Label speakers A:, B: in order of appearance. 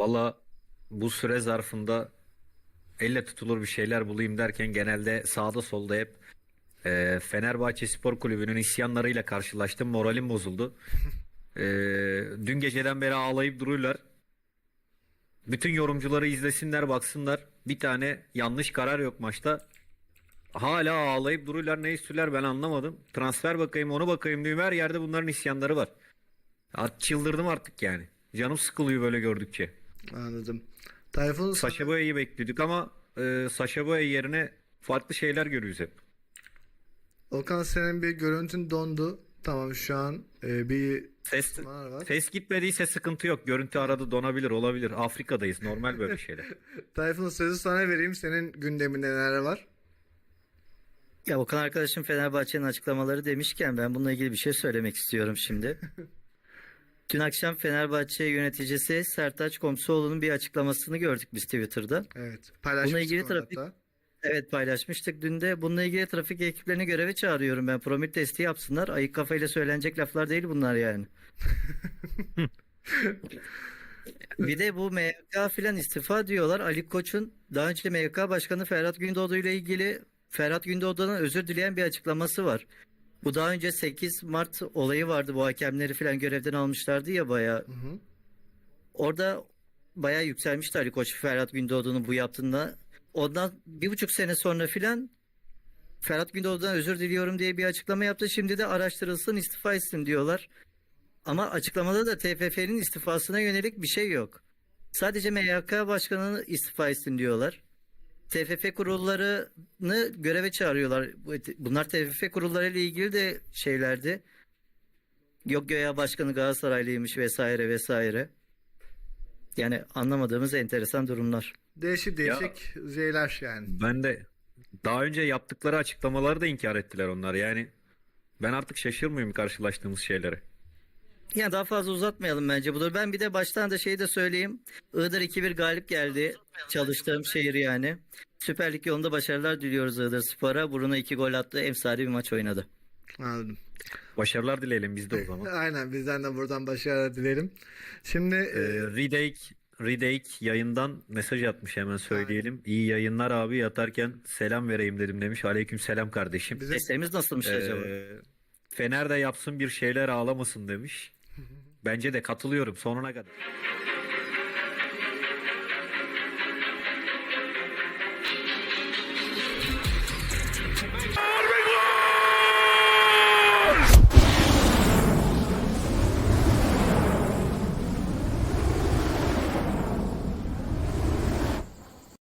A: Valla bu süre zarfında elle tutulur bir şeyler bulayım derken genelde sağda solda hep Fenerbahçe Spor Kulübü'nün isyanlarıyla karşılaştım. Moralim bozuldu. E, Dün geceden beri ağlayıp duruyorlar. Bütün yorumcuları izlesinler baksınlar. Bir tane yanlış karar yok maçta. Hala ağlayıp duruyorlar. Ne istiyorlar ben anlamadım. Transfer bakayım onu bakayım diyorum. Her yerde bunların isyanları var. Çıldırdım artık yani. Canım sıkılıyor böyle gördükçe.
B: Anladım. Tayfun sana,
A: Sacha Boey'i bekliyorduk ama Sacha Boey yerine farklı şeyler görüyoruz hep.
B: Okan senin bir görüntün dondu. Tamam şu an bir
A: Ses,
B: var.
A: ses gitmediyse sıkıntı yok. Görüntü arada donabilir, olabilir. Afrika'dayız. Normal böyle şeyler.
B: Tayfun sözü sana vereyim. Senin gündeminde neler var?
C: Ya Okan arkadaşım Fenerbahçe'nin açıklamaları demişken ben bununla ilgili bir şey söylemek istiyorum şimdi. Dün akşam Fenerbahçe yöneticisi Sertaç Komsoğlu'nun bir açıklamasını gördük biz Twitter'da.
B: Evet.
C: Bununla
B: Paylaşmıştık
C: ilgili
B: onu
C: trafik
B: hatta.
C: evet paylaşmıştık dün de. Bununla ilgili trafik ekiplerini göreve çağırıyorum ben. Promil testi yapsınlar. Ayık kafayla söylenecek laflar değil bunlar yani. Bir de bu MYK filan istifa diyorlar. Ali Koç'un daha önce MYK Başkanı Ferhat Gündoğdu ile ilgili Ferhat Gündoğdu'dan özür dileyen bir açıklaması var. Bu daha önce 8 Mart olayı vardı. Bu hakemleri filan görevden almışlardı ya bayağı.
B: Hı hı.
C: Orada bayağı yükselmişti Ali Koç Ferhat Gündoğdu'nun bu yaptığında. Ondan 1,5 sene sonra filan Ferhat Gündoğdu'dan özür diliyorum diye bir açıklama yaptı. Şimdi de araştırılsın istifa etsin diyorlar. Ama açıklamada da TFF'nin istifasına yönelik bir şey yok. Sadece MYK Başkanı'nı istifa etsin diyorlar. TFF kurullarını göreve çağırıyorlar. Bunlar TFF kurulları ile ilgili de şeylerdi. Yok göya başkanı Galatasaraylıymış vesaire vesaire. Yani anlamadığımız enteresan durumlar.
B: Değişik
A: Ya
B: değişik şeyler yani.
A: ben de daha önce yaptıkları açıklamaları da inkar ettiler onlar. Yani ben artık şaşırmıyorum karşılaştığımız şeylere.
C: Yani daha fazla uzatmayalım bence budur. Ben bir de baştan da şeyi de söyleyeyim. Iğdır 2-1 galip geldi. Çalıştığım şehir yani. Süper Lig yolunda başarılar diliyoruz Iğdır Spor'a. Bruno 2 gol attı. Emsali bir maç oynadı.
B: Anladım.
A: Başarılar dileyelim biz de o zaman.
B: Aynen bizden de buradan başarılar dilerim. Şimdi
A: Ridake yayından mesaj atmış hemen söyleyelim. İyi yayınlar abi yatarken selam vereyim dedim demiş. Aleyküm selam kardeşim.
B: bize
C: Seslerimiz nasılmış acaba?
A: Fener de yapsın bir şeyler ağlamasın demiş. Bence de katılıyorum sonuna kadar.